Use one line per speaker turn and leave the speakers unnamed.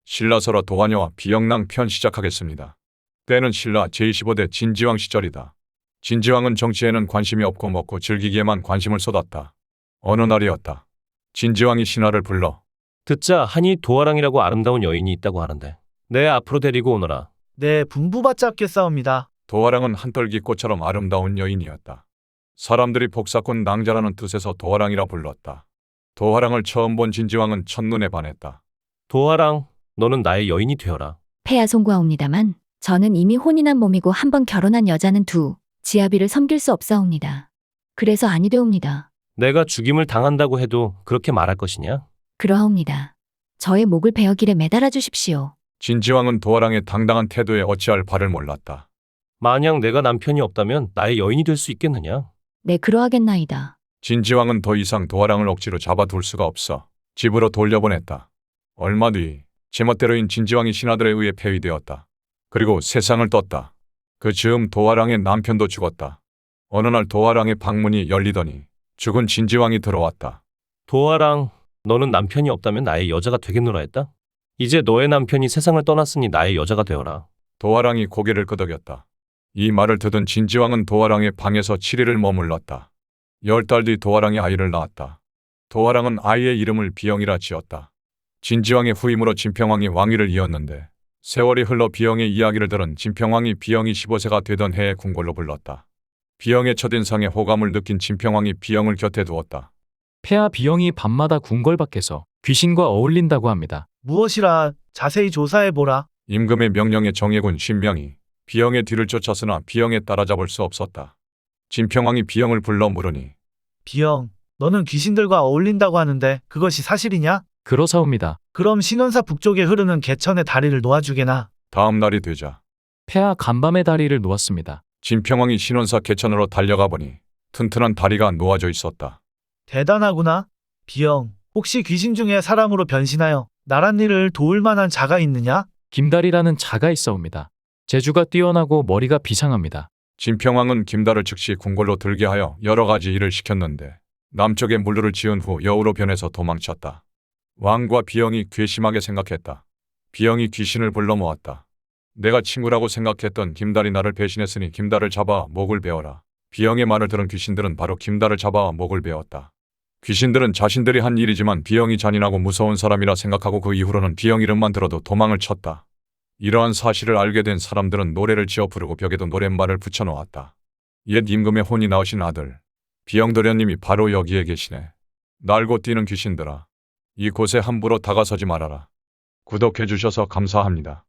신라설화 도화녀와 비영랑 편 시작하겠습니다. 때는 신라 제25대 진지왕 시절이다. 진지왕은 정치에는 관심이 없고 먹고 즐기기에만 관심을 쏟았다. 어느 날이었다. 진지왕이 신하를 불러
듣자 하니 도화랑이라고 아름다운 여인이 있다고 하는데 내 앞으로 데리고 오너라.
네, 분부받지 않겠사옵니다.
도화랑은 한떨기꽃처럼 아름다운 여인이었다. 사람들이 복사꾼 낭자라는 뜻에서 도화랑이라 불렀다. 도화랑을 처음 본 진지왕은 첫눈에 반했다.
도화랑, 너는 나의 여인이 되어라.
폐하 송구하옵니다만 저는 이미 혼이 난 몸이고 한 번 결혼한 여자는 지아비를 섬길 수 없사옵니다. 그래서 아니 되옵니다.
내가 죽임을 당한다고 해도 그렇게 말할 것이냐?
그러하옵니다. 저의 목을 베어 길에 매달아 주십시오.
진지왕은 도화랑의 당당한 태도에 어찌할 바를 몰랐다.
만약 내가 남편이 없다면 나의 여인이 될 수 있겠느냐?
네, 그러하겠나이다.
진지왕은 더 이상 도화랑을 억지로 잡아둘 수가 없어 집으로 돌려보냈다. 얼마 뒤 제멋대로인 진지왕이 신하들에 의해 폐위되었다. 그리고 세상을 떴다. 그 즈음 도화랑의 남편도 죽었다. 어느 날 도화랑의 방문이 열리더니 죽은 진지왕이 들어왔다.
도화랑, 너는 남편이 없다면 나의 여자가 되겠노라 했다? 이제 너의 남편이 세상을 떠났으니 나의 여자가 되어라.
도화랑이 고개를 끄덕였다. 이 말을 듣은 진지왕은 도화랑의 방에서 7일을 머물렀다. 10달 뒤 도화랑이 아이를 낳았다. 도화랑은 아이의 이름을 비영이라 지었다. 진지왕의 후임으로 진평왕이 왕위를 이었는데 세월이 흘러 비영의 이야기를 들은 진평왕이 비영이 15세가 되던 해에 궁궐로 불렀다. 비영의 첫인상에 호감을 느낀 진평왕이 비영을 곁에 두었다.
폐하 비영이 밤마다 궁궐 밖에서 귀신과 어울린다고 합니다.
무엇이라 자세히 조사해보라.
임금의 명령에 정예군 신명이 비영의 뒤를 쫓았으나 비영에 따라잡을 수 없었다. 진평왕이 비영을 불러 물으니
비영, 너는 귀신들과 어울린다고 하는데 그것이 사실이냐?
그러사옵니다.
그럼 신원사 북쪽에 흐르는 개천의 다리를 놓아주게나.
다음 날이 되자
폐하 간밤의 다리를 놓았습니다.
진평왕이 신원사 개천으로 달려가 보니 튼튼한 다리가 놓아져 있었다.
대단하구나. 비영, 혹시 귀신 중에 사람으로 변신하여 나란 일을 도울 만한 자가 있느냐?
김달이라는 자가 있사옵니다. 재주가 뛰어나고 머리가 비상합니다.
진평왕은 김달을 즉시 궁궐로 들게 하여 여러 가지 일을 시켰는데 남쪽에 물루를 지은 후 여우로 변해서 도망쳤다. 왕과 비영이 괘씸하게 생각했다. 비영이 귀신을 불러 모았다. 내가 친구라고 생각했던 김달이 나를 배신했으니 김달을 잡아 목을 베어라. 비영의 말을 들은 귀신들은 바로 김달을 잡아 목을 베었다. 귀신들은 자신들이 한 일이지만 비영이 잔인하고 무서운 사람이라 생각하고 그 이후로는 비영 이름만 들어도 도망을 쳤다. 이러한 사실을 알게 된 사람들은 노래를 지어 부르고 벽에도 노랫말을 붙여놓았다. 옛 임금의 혼이 나으신 아들 비영도련님이 바로 여기에 계시네. 날고 뛰는 귀신들아, 이곳에 함부로 다가서지 말아라. 구독해 주셔서 감사합니다.